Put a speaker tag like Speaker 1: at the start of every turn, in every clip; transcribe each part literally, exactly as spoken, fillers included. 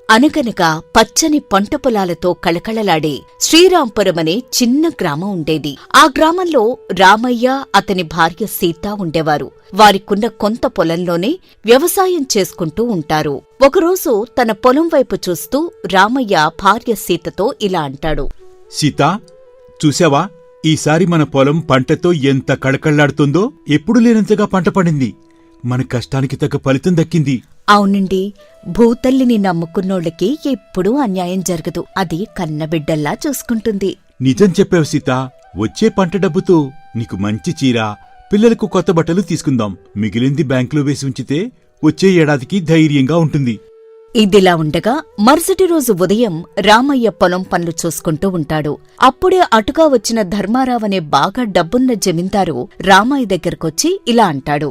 Speaker 1: అనగనగా పచ్చని పంట పొలాలతో కళకళలాడే శ్రీరాంపురమనే చిన్న గ్రామం ఉండేది. ఆ గ్రామంలో రామయ్య, అతని భార్య సీత ఉండేవారు. వారికున్న కొంత పొలంలోనే వ్యవసాయం చేసుకుంటూ ఉంటారు. ఒకరోజు తన పొలం వైపు చూస్తూ రామయ్య భార్య సీతతో ఇలా అంటాడు.
Speaker 2: సీతా, చూశావా, ఈసారి మన పొలం పంటతో ఎంత కళకళ్లాడుతుందో. ఎప్పుడు లేనంతగా పంట పడింది. మన కష్టానికి తగ్గ ఫలితం దక్కింది.
Speaker 1: అవునండి, భూతల్లిని నమ్ముకున్నోళ్ళకి ఎప్పుడూ అన్యాయం జరగదు. అది కన్నబిడ్డల్లా చూసుకుంటుంది.
Speaker 2: నిజం చెప్పావు సీత. వచ్చే పంట డబ్బుతో నీకు మంచి చీర, పిల్లలకు కొత్త బట్టలు తీసుకుందాం. మిగిలింది బ్యాంకులో వేసి ఉంచితే వచ్చే ఏడాదికి ధైర్యంగా ఉంటుంది.
Speaker 1: ఇదిలా ఉండగా మరుసటి రోజు ఉదయం రామయ్య పొలం పనులు చూసుకుంటూ ఉంటాడు. అప్పుడే అటుగా వచ్చిన ధర్మారావనే బాగా డబ్బున్న జమీందారు రామయ్య దగ్గరకొచ్చి ఇలా అంటాడు.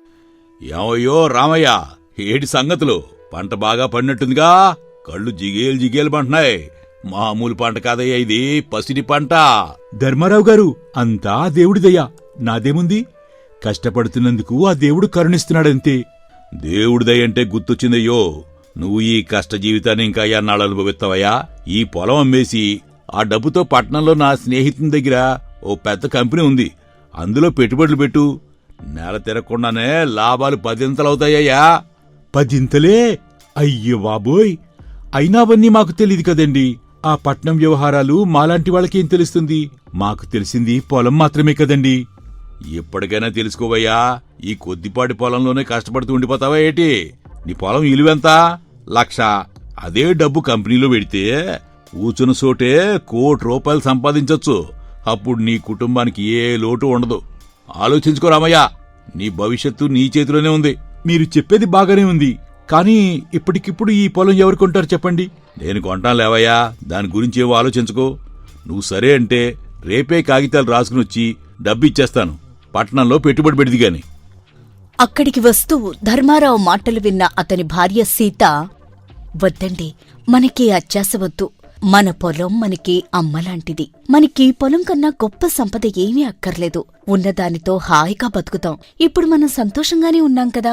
Speaker 3: ఏమయ్యో రామయ్య, ఏటి సంగతులు? పంట బాగా పడినట్టుందిగా. కళ్ళు జిగేలు జిగేలు పంటున్నాయి. మామూలు పంట కాదయ్యా, ఇది పసిడి పంట.
Speaker 2: ధర్మారావు గారు, అంతా దేవుడిదయ్యా. నాదేముంది? కష్టపడుతున్నందుకు ఆ దేవుడు కరుణిస్తున్నాడంతే.
Speaker 3: దేవుడిదయ్యంటే గుర్తొచ్చిందయ్యో, నువ్వు ఈ కష్ట జీవితాన్ని ఇంకా ఎన్నాళ్ళు అనుభవిస్తావయ్యా? ఈ పొలం అమ్మేసి ఆ డబ్బుతో పట్నంలో నా స్నేహితుని దగ్గర ఓ పెద్ద కంపెనీ ఉంది. అందులో పెట్టుబడులు పెట్టు. నెల తిరగకుండానే లాభాలు పదింతలవుతాయ్యా.
Speaker 2: పదింతలే? అయ్యో బాబోయ్! అయినా అవన్నీ మాకు తెలియదు కదండి. ఆ పట్నం వ్యవహారాలు మాలాంటి వాళ్ళకేం తెలుస్తుంది? మాకు తెలిసింది పొలం మాత్రమే కదండి.
Speaker 3: ఇప్పటికైనా తెలుసుకోవయ్యా. ఈ కొద్దిపాటి పొలంలోనే కష్టపడుతూ ఉండిపోతావా ఏటి? నీ పొలం ఇలువెంత? లక్ష. అదే డబ్బు కంపెనీలో పెడితే కూచున్న చోటే కోటి రూపాయలు సంపాదించొచ్చు. అప్పుడు నీ కుటుంబానికి ఏ లోటు ఉండదు. ఆలోచించుకో రామయ్య, నీ భవిష్యత్తు నీ చేతిలోనే ఉంది.
Speaker 2: మీరు చెప్పేది బాగానే ఉంది, కానీ ఇప్పటికిప్పుడు ఈ పొలం ఎవరు కొంటారు చెప్పండి?
Speaker 3: నేను కొంటాను లేవయ్యా, దాని గురించి ఏవో ఆలోచించుకో. నువ్వు సరే అంటే రేపే కాగితాలు రాసుకుని వచ్చి డబ్బు ఇచ్చేస్తాను. పట్టణంలో పెట్టుబడి పెడిది గాని.
Speaker 1: అక్కడికి వస్తూ ధర్మారావు మాటలు విన్న అతని భార్య సీత, వద్దండి, మనకి అత్యాశ వద్దు. మన పొలం మనకి అమ్మలాంటిది. మనకి పొలం కన్నా గొప్ప సంపద ఏమీ అక్కర్లేదు. ఉన్నదానితో హాయిగా బతుకుతాం. ఇప్పుడు మనం సంతోషంగానే ఉన్నాం కదా.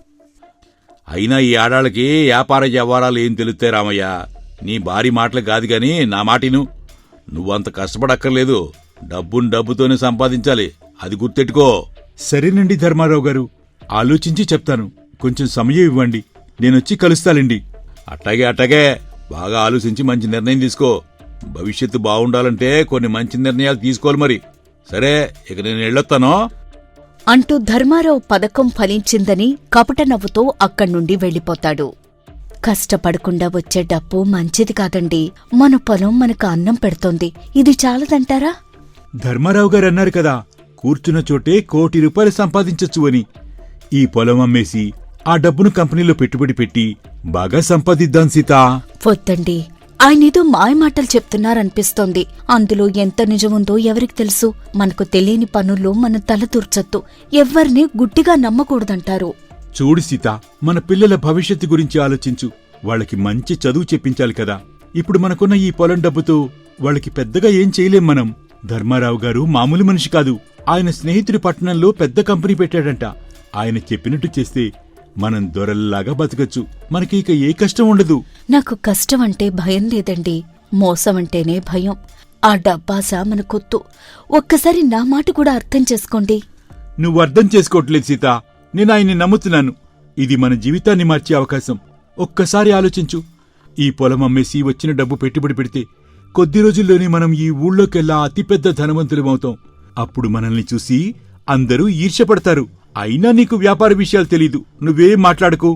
Speaker 3: అయినా ఈ ఆడాళ్ళకి వ్యాపార వ్యవహారాలు ఏం తెలుస్తాయి రామయ్య? నీ భారీ మాటలు కాదు గాని నా మాటిను. నువ్వంత కష్టపడక్కర్లేదు. డబ్బును డబ్బుతోనే సంపాదించాలి, అది గుర్తెట్టుకో.
Speaker 2: సరేనండి ధర్మారావు గారు, ఆలోచించి చెప్తాను. కొంచెం సమయం ఇవ్వండి, నేనొచ్చి కలుస్తానండి.
Speaker 3: అట్టాగే అట్టాగే బాగా ఆలోచించి మంచి నిర్ణయం తీసుకో. భవిష్యత్తు బాగుండాలంటే కొన్ని మంచి నిర్ణయాలు తీసుకోవాలి మరి. సరే, ఇక నేను వెళ్ళొస్తాను
Speaker 1: అంటూ ధర్మారావు పథకం ఫలించిందని కపట నవ్వుతో అక్కడ్నుండి వెళ్ళిపోతాడు. కష్టపడకుండా వచ్చే డబ్బు మంచిది కాదండి. మన పొలం మనకు అన్నం పెడుతోంది. ఇది చాలదంటారా?
Speaker 2: ధర్మారావు గారు అన్నారు కదా, కూర్చున్న చోటే కోటి రూపాయలు సంపాదించొచ్చు అని. ఈ పొలం అమ్మేసి ఆ డబ్బును కంపెనీలో పెట్టుబడి పెట్టి బాగా సంపాదిద్దాం సీతా.
Speaker 1: వద్దండి, ఆయనేదో మాయమాటలు చెప్తున్నారనిపిస్తోంది. అందులో ఎంత నిజముందో ఎవరికి తెలుసు? మనకు తెలియని పనుల్లో మన తల దూర్చొద్దు. ఎవ్వరినీ గుడ్డిగా నమ్మకూడదంటారు.
Speaker 2: చూడు సీత, మన పిల్లల భవిష్యత్తు గురించి ఆలోచించు. వాళ్ళకి మంచి చదువు చెప్పించాలి కదా. ఇప్పుడు మనకున్న ఈ పొలం డబ్బుతో వాళ్ళకి పెద్దగా ఏం చేయలేం మనం. ధర్మారావు గారు మామూలు మనిషి కాదు. ఆయన స్నేహితుడి పట్టణంలో పెద్ద కంపెనీ పెట్టాడంట. ఆయన చెప్పినట్టు చేస్తే మనం దొరల్లాగా బతకచ్చు. మనకి ఇక ఏ కష్టం ఉండదు.
Speaker 1: నాకు కష్టం అంటే భయం లేదండి, మోసం అంటేనే భయం. ఆ డబ్బాస మనకొద్దు. ఒక్కసారి నా మాట కూడా అర్థం చేసుకోండి.
Speaker 2: నువ్వు అర్థం చేసుకోవట్లేదు సీత. నేను ఆయన్ని నమ్ముతున్నాను. ఇది మన జీవితాన్ని మార్చే అవకాశం. ఒక్కసారి ఆలోచించు. ఈ పొలం అమ్మేసి వచ్చిన డబ్బు పెట్టుబడి పెడితే కొద్ది రోజుల్లోనే మనం ఈ ఊళ్ళోకెల్లా అతిపెద్ద ధనవంతులమవుతాం. అప్పుడు మనల్ని చూసి అందరూ ఈర్ష్యపడతారు. అయినా నీకు వ్యాపార విషయాలు తెలీదు, నువ్వేం మాట్లాడకు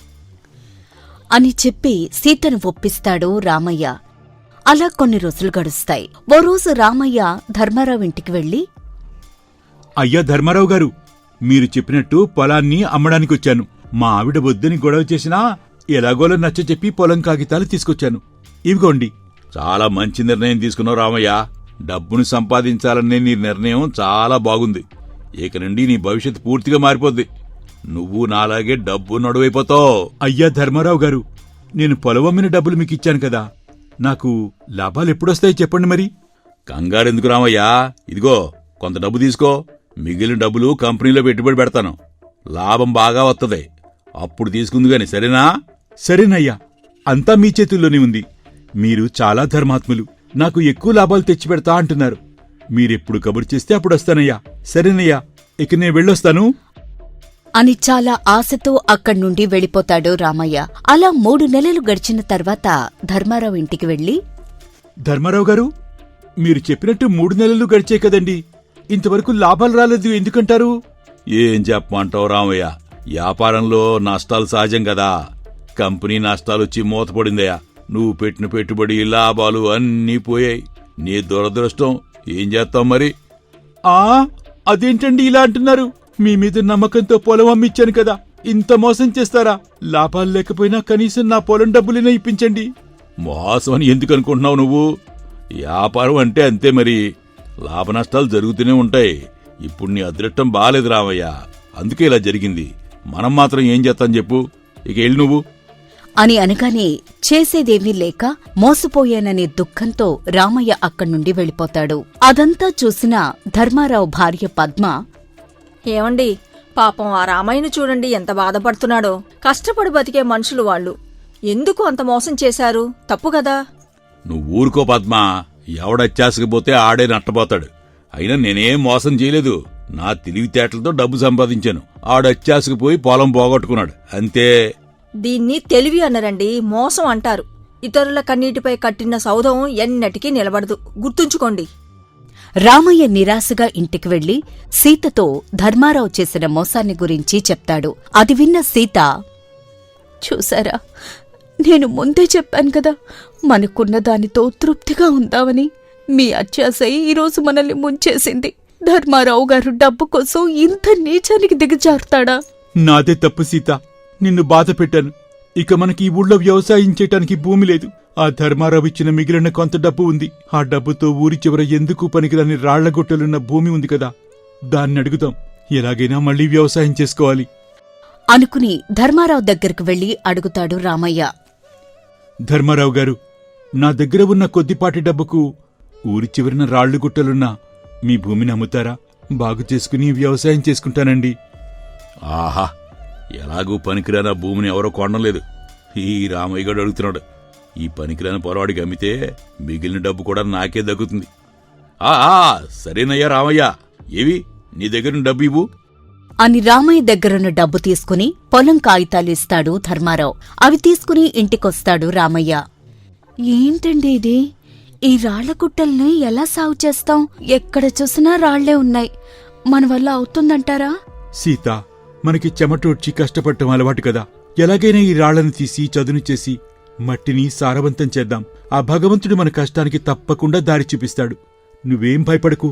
Speaker 1: అని చెప్పి సీతను ఒప్పిస్తాడు రామయ్య. అలా కొన్ని రోజులు గడుస్తాయి. ఓ రోజు రామయ్య ధర్మారావు ఇంటికి వెళ్లి,
Speaker 2: అయ్యా ధర్మారావు గారు, మీరు చెప్పినట్టు పొలాన్ని అమ్మడానికొచ్చాను. మా ఆవిడ వద్దని గొడవ చేసినా ఎలాగోలో నచ్చచెప్పి పొలం కాగితాలు తీసుకొచ్చాను. ఇవిగోండి.
Speaker 3: చాలా మంచి నిర్ణయం తీసుకున్నావు రామయ్య. డబ్బును సంపాదించాలనే నీ నిర్ణయం చాలా బాగుంది. ఇక నుండి నీ భవిష్యత్తు పూర్తిగా మారిపోద్ది. నువ్వు నాలాగే డబ్బు నడువైపోతావు.
Speaker 2: అయ్యా ధర్మారావు గారు, నేను పొలం అమ్మిన డబ్బులు మీకిచ్చాను కదా, నాకు లాభాలెప్పుడొస్తాయి చెప్పండి మరి.
Speaker 3: కంగారెందుకు రామయ్యా, ఇదిగో కొంత డబ్బు తీసుకో. మిగిలిన డబ్బులు కంపెనీలో పెట్టుబడి పెడతాను. లాభం బాగా వస్తుంది. అప్పుడు తీసుకుంది గాని, సరేనా?
Speaker 2: సరేనయ్యా. అంతా మీ చేతుల్లోనే ఉంది. మీరు చాలా ధర్మాత్ములు. నాకు ఎక్కువ లాభాలు తెచ్చిపెడతా అంటున్నారు. మీరెప్పుడు కబురు చేస్తే అప్పుడు వస్తానయ్యా. సరేనయ్యా, ఇక నేను వెళ్ళొస్తాను
Speaker 1: అని చాలా ఆశతో అక్కడ్నుండి వెళ్ళిపోతాడు రామయ్య. అలా మూడు నెలలు గడిచిన తర్వాత ధర్మారావు ఇంటికి వెళ్లి,
Speaker 2: ధర్మారావు గారు, మీరు చెప్పినట్టు మూడు నెలలు గడిచే కదండి, ఇంతవరకు లాభాలు రాలేదు ఎందుకంటారు?
Speaker 3: ఏం చెప్పమంటావు రామయ్య, వ్యాపారంలో నష్టాలు సహజం కదా. కంపెనీ నష్టాలొచ్చి మూతపడిందయ్యా. నువ్వు పెట్టిన పెట్టుబడి, లాభాలు అన్నీ పోయాయి. నీ దురదృష్టం. ఏం చేస్తావు మరి?
Speaker 2: ఆ అదేంటండి ఇలా అంటున్నారు? మీ మీద నమ్మకంతో పొలం అమ్మిచ్చాను కదా, ఇంత మోసం చేస్తారా? లాభాలు లేకపోయినా కనీసం నా పొలం డబ్బులైనా ఇప్పించండి.
Speaker 3: మోసం అని ఎందుకు అనుకుంటున్నావు నువ్వు? వ్యాపారం అంటే అంతే మరి. లాభ నష్టాలు జరుగుతూనే ఉంటాయి. ఇప్పుడు నీ అదృష్టం బాలేదు రామయ్య, అందుకే ఇలా జరిగింది. మనం మాత్రం ఏం చేస్తాం చెప్పు? ఇక వెళ్ళి నువ్వు
Speaker 1: అని అనగానే చేసేదేమీ లేక మోసపోయాననే దుఃఖంతో రామయ్య అక్కడ్నుండి వెళ్ళిపోతాడు. అదంతా చూసిన ధర్మారావు భార్య పద్మ,
Speaker 4: ఏమండి, పాపం ఆ రామయ్యను చూడండి ఎంత బాధపడుతున్నాడో. కష్టపడి బతికే మనుషులు వాళ్ళు. ఎందుకు అంత మోసం చేశారు? తప్పు కదా.
Speaker 3: నువ్వు ఊరుకో పద్మా. ఎవడచ్చాసకపోతే ఆడే నట్టబోతాడు. అయినా నేనేం మోసం చేయలేదు. నా తెలివితేటలతో డబ్బు సంపాదించాను. ఆడచ్చాసకపోయి పొలం పోగొట్టుకున్నాడు అంతే.
Speaker 4: దీన్ని తెలివి అనరండి, మోసం అంటారు. ఇతరుల కన్నీటిపై కట్టిన సౌధం ఎన్నటికీ నిలబడదు, గుర్తుంచుకోండి.
Speaker 1: రామయ్య నిరాశగా ఇంటికి వెళ్లి సీతతో ధర్మారావు చేసిన మోసాన్ని గురించి చెప్తాడు. అది విన్న సీత, చూసారా, నేను ముందే చెప్పాను కదా, మనకున్న దానితో తృప్తిగా ఉందామని. మీ అత్యాశై ఈరోజు మనల్ని ముంచేసింది. ధర్మారావు గారు డబ్బు కోసం ఇంత నీచానికి దిగజారుతాడా?
Speaker 2: నాదే తప్పు సీత, నిన్ను బాధ పెట్టాను. ఇక మనకి ఈ ఊళ్ళో వ్యవసాయం చేయటానికి భూమి లేదు. ఆ ధర్మారావు ఇచ్చిన మిగిలిన కొంత డబ్బు ఉంది. ఆ డబ్బుతో ఊరి చివర ఎందుకు పనికిరాని రాళ్లగొట్టలున్న భూమి ఉంది కదా, దాన్ని అడుగుదాం. ఎలాగైనా మళ్లీ వ్యవసాయం చేసుకోవాలి
Speaker 1: అనుకుని ధర్మారావు దగ్గరకు వెళ్లి అడుగుతాడు రామయ్య.
Speaker 2: ధర్మారావు గారు, నా దగ్గర ఉన్న కొద్దిపాటి డబ్బుకు ఊరి చివరిన రాళ్లుగుట్టలున్న మీ భూమిని అమ్ముతారా? బాగు చేసుకుని వ్యవసాయం చేసుకుంటానండి.
Speaker 3: ఆహా, ఎలాగూ పనికిరాని భూమిని ఎవరో కొనలేదు. ఈ రామయ్య గారు అడుగుతున్నాడు. ఈ పనికిరాని పొరవాడికి అమ్మితే మిగిలిన డబ్బు కూడా నాకే దక్కుతుంది. ఆ సరేనయ్యా రామయ్య, ఏవి నీ దగ్గర డబ్బు ఇవ్వు
Speaker 1: అని రామయ్య దగ్గరున్న డబ్బు తీసుకుని పొలం కాగితాలిస్తాడు ధర్మారావు. అవి తీసుకుని ఇంటికొస్తాడు రామయ్య. ఏంటండి ఇది? ఈ రాళ్లగుట్టల్ని ఎలా సాగు చేస్తాం? ఎక్కడ చూసినా రాళ్లే ఉన్నాయి. మన వల్ల అవుతుందంటారా?
Speaker 2: సీత, మనకి చెమటోడ్చి కష్టపడటం అలవాటు కదా. ఎలాగైనా ఈ రాళ్లను తీసి చదును చేసి మట్టిని సారవంతం చేద్దాం. ఆ భగవంతుడు మన కష్టానికి తప్పకుండా దారి చూపిస్తాడు. నువ్వేం భయపడకు.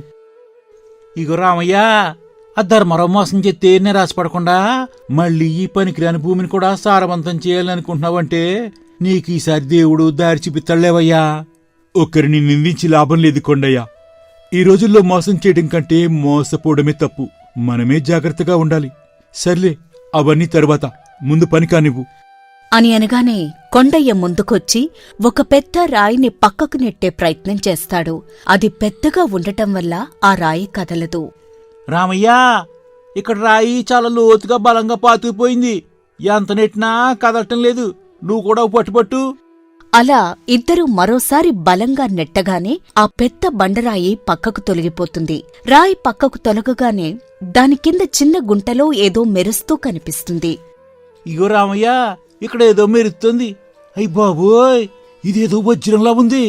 Speaker 5: ఇగో రామయ్య, ఆ ధర్మరావు మోసం చెప్తే నిరాశపడకుండా మళ్ళీ ఈ పనికిరాని భూమిని కూడా సారవంతం చేయాలనుకుంటున్నావంటే నీకు ఈసారి దేవుడు దారి చూపిస్తాడులేవయ్యా.
Speaker 2: ఒక్కరిని నిందించి లాభం లేదు కొండయ్య. ఈ రోజుల్లో మోసం చేయడం కంటే మోసపోవడమే తప్పు. మనమే జాగ్రత్తగా ఉండాలి. సర్లే, అవన్నీ తరువాత, ముందు పని కానివ్వు
Speaker 1: అని అనగానే కొండయ్య ముందుకొచ్చి ఒక పెద్ద రాయిని పక్కకు నెట్టే ప్రయత్నం చేస్తాడు. అది పెద్దగా ఉండటం వల్ల ఆ రాయి కదలదు.
Speaker 5: రామయ్య, ఇక్కడ రాయి చాలా లోతుగా బలంగా పాతుకుపోయింది. ఎంత నెట్టినా కదలటం లేదు. నువ్వు కూడా పట్టుపట్టు.
Speaker 1: అలా ఇద్దరూ మరోసారి బలంగా నెట్టగానే ఆ పెద్ద బండరాయి పక్కకు తొలగిపోతుంది. రాయి పక్కకు తొలగగానే దాని కింద చిన్న గుంటలో ఏదో మెరుస్తూ కనిపిస్తుంది.
Speaker 5: ఇగో రామయ్య, ఇక్కడ ఏదో మెరుస్తుంది. అయ్ బాబోయ్, ఇదేదో వజ్రంలా ఉంది.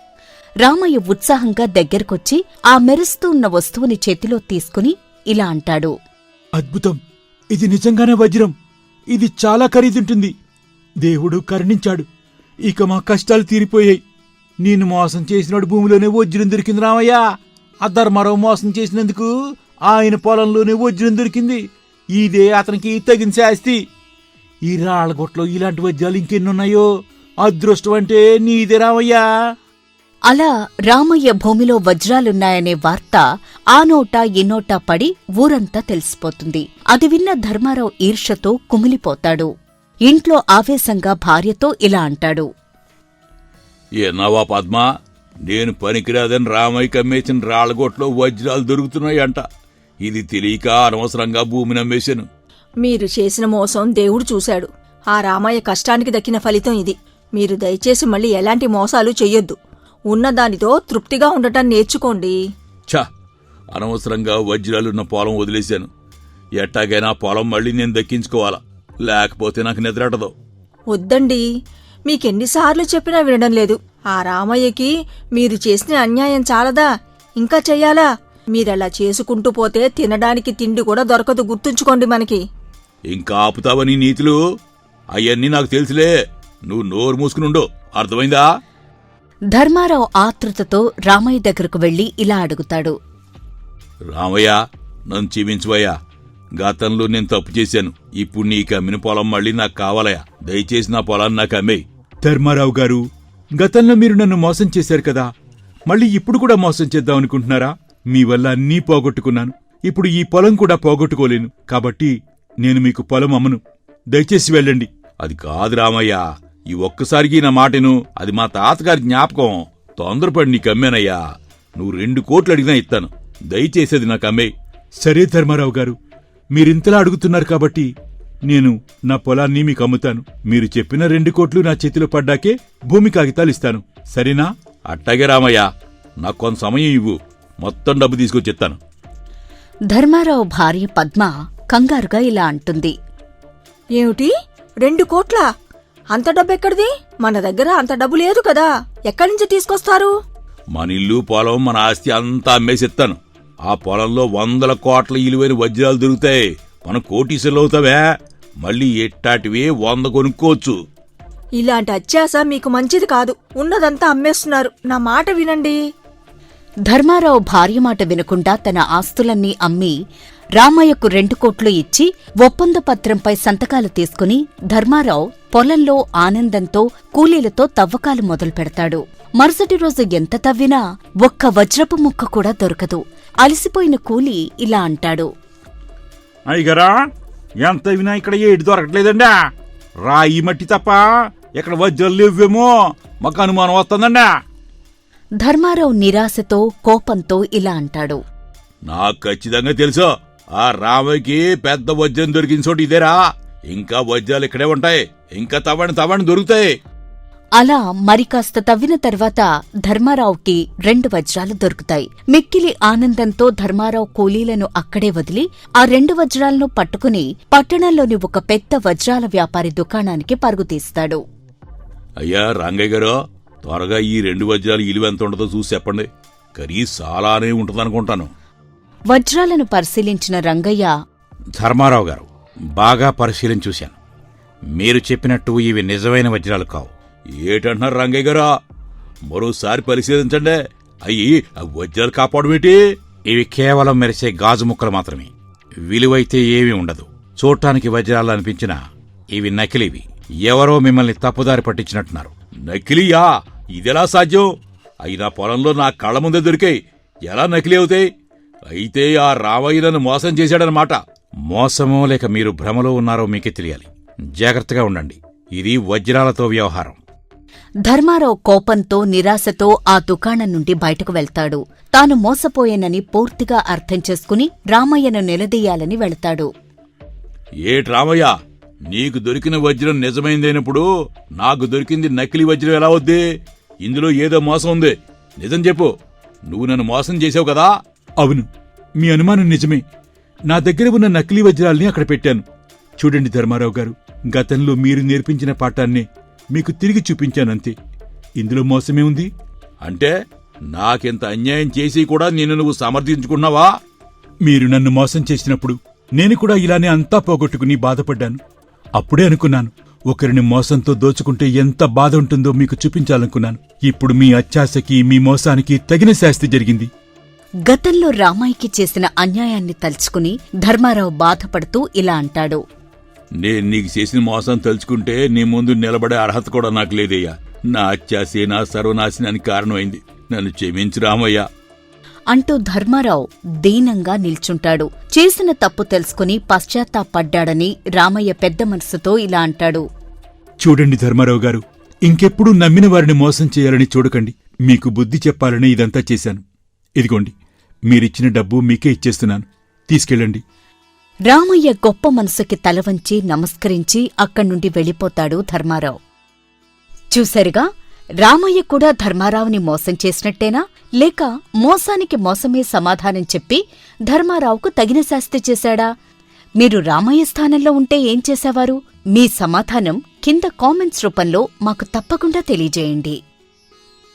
Speaker 1: రామయ్య ఉత్సాహంగా దగ్గరకొచ్చి ఆ మెరుస్తూ ఉన్న వస్తువుని చేతిలో తీసుకుని ఇలా అంటాడు.
Speaker 2: అద్భుతం! ఇది నిజంగానే వజ్రం. ఇది చాలా ఖరీదుంటుంది. దేవుడు కరుణించాడు. ఇక మా కష్టాలు తీరిపోయాయి.
Speaker 5: నేను మోసం చేసినాడు భూమిలోనే వజ్రం దొరికింది రామయ్య. ఆ ధర్మారావు మోసం చేసినందుకు ఆయన పొలంలోనే వజ్రం దొరికింది. ఇదే అతనికి తగిన శాస్తి. ఈ రాళ్లగొట్లో ఇలాంటి వజ్రాలు ఇంకెన్నున్నాయో. అదృష్టం అంటే నీదే రామయ్యా.
Speaker 1: అలా రామయ్య భూమిలో వజ్రాలున్నాయనే వార్త ఆ నోటా ఈ నోటా పడి ఊరంతా తెలిసిపోతుంది. అది విన్న ధర్మారావు ఈర్ష్యతో కుమిలిపోతాడు. ఇంట్లో ఆవేశంగా భార్యతో ఇలా అంటాడు.
Speaker 3: ఏనావా పద్మా, నేను పనికిరాదని రామయ్య కమ్మేసిన రాళ్లగొట్లో వజ్రాలు దొరుకుతున్నాయంట. ఇది తెలియక అనవసరంగా భూమిని అమ్మేశాను.
Speaker 4: మీరు చేసిన మోసం దేవుడు చూశాడు. ఆ రామయ్య కష్టానికి దక్కిన ఫలితం ఇది. మీరు దయచేసి మళ్ళీ ఎలాంటి మోసాలు చెయ్యొద్దు. ఉన్నదానితో తృప్తిగా ఉండటం నేర్చుకోండి.
Speaker 3: ఛ, అనవసరంగా వజ్రాలున్న పొలం వదిలేశాను. ఎట్టాగైనా పొలం మళ్ళీ నేను దక్కించుకోవాలా, లేకపోతే నాకు నిద్రటదు.
Speaker 4: వద్దండి, మీకెన్నిసార్లు చెప్పినా వినడం లేదు. ఆ రామయ్యకి మీరు చేసిన అన్యాయం చాలదా, ఇంకా చెయ్యాలా? మీరలా చేసుకుంటూ పోతే తినడానికి తిండి కూడా దొరకదు, గుర్తుంచుకోండి. మనకి
Speaker 3: ఇంకా ఆపుతావని నీతులు అవన్నీ నాకు తెలుసులే. నువ్వు నోరు మూసుకునుండు, అర్థమైందా?
Speaker 1: ధర్మారావు ఆతృతతో రామయ్య దగ్గరకు వెళ్లి ఇలా అడుగుతాడు.
Speaker 3: రామయ్య, నన్ను క్షమించువయ్యా. గతంలో నేను తప్పు చేశాను. ఇప్పుడు నీకు అమ్మిన పొలం మళ్ళీ నాకు కావాలయా. దయచేసి నా పొలాన్ని నాకు అమ్మేయ్.
Speaker 2: ధర్మారావు గారు, గతంలో మీరు నన్ను మోసం చేశారు కదా, మళ్ళీ ఇప్పుడు కూడా మోసం చేద్దామనుకుంటున్నారా? మీ వల్ల అన్నీ పోగొట్టుకున్నాను. ఇప్పుడు ఈ పొలం కూడా పోగొట్టుకోలేను. కాబట్టి నేను మీకు పొలం అమ్మను. దయచేసి వెళ్ళండి.
Speaker 3: అది కాదు రామయ్య, ఈ ఒక్కసారికి నా మాటను. అది మా తాతగారి జ్ఞాపకం. తొందరపడి నీకు అమ్మానయ్యా. నువ్వు రెండు కోట్లు అడిగినా ఇస్తాను. దయచేసేది నాకు అమ్మే.
Speaker 2: సరే ధర్మారావు గారు, మీరింతలా అడుగుతున్నారు కాబట్టి నేను నా పొలాన్ని మీకు అమ్ముతాను. మీరు చెప్పిన రెండు కోట్లు నా చేతిలో పడ్డాకే భూమి కాగితాలు ఇస్తాను. సరేనా?
Speaker 3: అట్టాగే రామయ్య, నాకు కొంత సమయం ఇవ్వు. మొత్తం డబ్బు తీసుకొచ్చిస్తాను.
Speaker 1: ధర్మారావు భార్య పద్మ కంగారుగా ఇలా అంటుంది.
Speaker 4: ఏమిటి, రెండు కోట్లా? అంత డబ్బెక్కడిది? మన దగ్గర అంత డబ్బు లేదు కదా, ఎక్కడి నుంచి తీసుకొస్తారు?
Speaker 3: మన ఇల్లు, పొలం, మన ఆస్తి అంతా అమ్మేసిస్తాను. ఆ పొలంలో వందల కోట్ల ఇలువైన వజ్రాలు దొరుకుతాయి. మనం కోటీసులు అవుతావే. మళ్ళీ ఎట్టాటివే వంద కొనుక్కోవచ్చు.
Speaker 4: ఇలాంటి అత్యాస మీకు మంచిది కాదు. ఉన్నదంతా అమ్మేస్తున్నారు. నా మాట వినండి.
Speaker 1: ధర్మారావు భార్య మాట వినకుండా తన ఆస్తులన్నీ అమ్మి రామయ్యకు రెండు కోట్లు ఇచ్చి ఒప్పంద పత్రంపై సంతకాలు తీసుకుని ధర్మారావు పొలంలో ఆనందంతో కూలీలతో తవ్వకాలు మొదలు పెడతాడు. మరుసటి రోజు ఎంత తవ్వినా ఒక్క వజ్రపు ముక్క కూడా దొరకదు. అలసిపోయిన కూలీ ఇలా అంటాడు.
Speaker 5: అయ్యగారా, ఎంత వినా ఇక్కడ ఏడు దొరకట్లేదండా. రాయి మట్టి తప్ప ఇక్కడ వజ్రాలు లేవేమో. మాకు అనుమానం వస్తుందండా.
Speaker 1: ధర్మారావు నిరాశతో కోపంతో ఇలా అంటాడు.
Speaker 3: నాకు ఖచ్చితంగా తెలుసు, ఆ రామయ్యకి పెద్ద వజ్రం దొరికిన చోటు ఇదేరా. ఇంకా వజ్రాలు ఇక్కడే ఉంటాయి. ఇంకా తవ్వండి తవ్వండి దొరుకుతాయి.
Speaker 1: అలా మరికాస్త తవ్విన తర్వాత ధర్మారావుకి రెండు వజ్రాలు దొరుకుతాయి. మిక్కిలి ఆనందంతో ధర్మారావు కూలీలను అక్కడే వదిలి ఆ రెండు వజ్రాలను పట్టుకుని పట్టణంలోని ఒక పెద్ద వజ్రాల వ్యాపారి దుకాణానికి పరుగుతీస్తాడు.
Speaker 3: అయ్యా రంగయ్య గారు, త్వరగా ఈ రెండు వజ్రాలు ఇలువ ఎంత ఉండదో చూసి చెప్పండి. ఖరీదు చాలానే ఉంటుందనుకుంటాను.
Speaker 1: వజ్రాలను పరిశీలించిన రంగయ్య,
Speaker 5: ధర్మారావు గారు, బాగా పరిశీలించి చూశాను. మీరు చెప్పినట్టు ఇవి నిజమైన వజ్రాలు కావు.
Speaker 3: ఏటంటున్నారు రంగయ్య గారా? మరోసారి పరిశీలించండి. అయ్యి వజ్రాలు కాపాడమేటి?
Speaker 5: ఇవి కేవలం మెరిసే గాజు ముక్కలు మాత్రమే. విలువైతే ఏమీ ఉండదు. చూడటానికి వజ్రాలు అనిపించినా ఇవి నకిలీవి. ఎవరో మిమ్మల్ని తప్పుదారి పట్టించినట్టున్నారు.
Speaker 3: నకిలీయా? ఇదెలా సాధ్యం? అయినా పొలంలో నా కళ్ల ముందే దొరికాయి. ఎలా నకిలీ అవుతాయి? అయితే ఆ రామయ్య నన్ను మోసం చేశాడనమాట.
Speaker 5: మోసమో లేక మీరు భ్రమలో ఉన్నారో మీకే తెలియాలి. జాగ్రత్తగా ఉండండి. ఇది వజ్రాలతో వ్యవహారం.
Speaker 1: ధర్మారావు కోపంతో నిరాశతో ఆ దుకాణం నుండి బయటకు వెళ్తాడు. తాను మోసపోయానని పూర్తిగా అర్థం చేసుకుని రామయ్యను నిలదీయాలని వెళతాడు.
Speaker 3: ఏటి రామయ్య, నీకు దొరికిన వజ్రం నిజమైందైనప్పుడు నాకు దొరికింది నకిలీ వజ్రం ఎలా వద్ది? ఇందులో ఏదో మోసం ఉంది. నిజం చెప్పు. నువ్వు నన్ను మోసం చేసావు కదా?
Speaker 2: అవును, మీ అనుమానం నిజమే. నా దగ్గర ఉన్న నకిలీ వజ్రాల్ని అక్కడ పెట్టాను. చూడండి ధర్మారావు గారు, గతంలో మీరు నేర్పించిన పాఠాన్ని మీకు తిరిగి చూపించానంతే. ఇందులో మోసమే ఉంది.
Speaker 3: అంటే నాకింత అన్యాయం చేసి కూడా నిన్ను నువ్వు సమర్థించుకున్నావా?
Speaker 2: మీరు నన్ను మోసం చేసినప్పుడు నేను కూడా ఇలానే అంతా పోగొట్టుకుని బాధపడ్డాను. అప్పుడే అనుకున్నాను, ఒకరిని మోసంతో దోచుకుంటే ఎంత బాధ ఉంటుందో మీకు చూపించాలనుకున్నాను. ఇప్పుడు మీ అత్యాశకి, మీ మోసానికి తగిన శాస్తి జరిగింది.
Speaker 1: గతంలో రామయ్యకి చేసిన అన్యాయాన్ని తలుచుకుని ధర్మారావు బాధపడుతూ ఇలా అంటాడు.
Speaker 3: నేను నీకు చేసిన మోసం తలుచుకుంటే నీ ముందు నిలబడే అర్హత కూడా నాకు లేదయ్యా. నా అత్యాశే నా సర్వనాశనానికి కారణమైంది. నన్ను క్షమించు రామయ్య
Speaker 1: అంటూ ధర్మారావు దీనంగా నిల్చుంటాడు. చేసిన తప్పు తెలుసుకుని పశ్చాత్తాపడ్డాడని రామయ్య పెద్ద మనసుతో ఇలా అంటాడు.
Speaker 2: చూడండి ధర్మారావు గారు, ఇంకెప్పుడు నమ్మిన వారిని మోసం చేయాలని చూడకండి. మీకు బుద్ధి చెప్పాలని ఇదంతా చేశాను. ఇదిగోండి, మీరిచ్చిన డబ్బు మీకే ఇచ్చేస్తున్నాను. తీసుకెళ్ళండి.
Speaker 1: రామయ్య గొప్ప మనసుకి తలవంచి నమస్కరించి అక్కడ్నుండి వెళ్ళిపోతాడు ధర్మారావు. చూశారుగా, రామయ్య కూడా ధర్మారావుని మోసం చేసినట్టేనా, లేక మోసానికి మోసమే సమాధానం చెప్పి ధర్మారావుకు తగిన శాస్తి చేశాడా? మీరు రామయ్య స్థానంలో ఉంటే ఏం చేసేవారు? మీ సమాధానం కింద కామెంట్స్ రూపంలో మాకు తప్పకుండా తెలియజేయండి.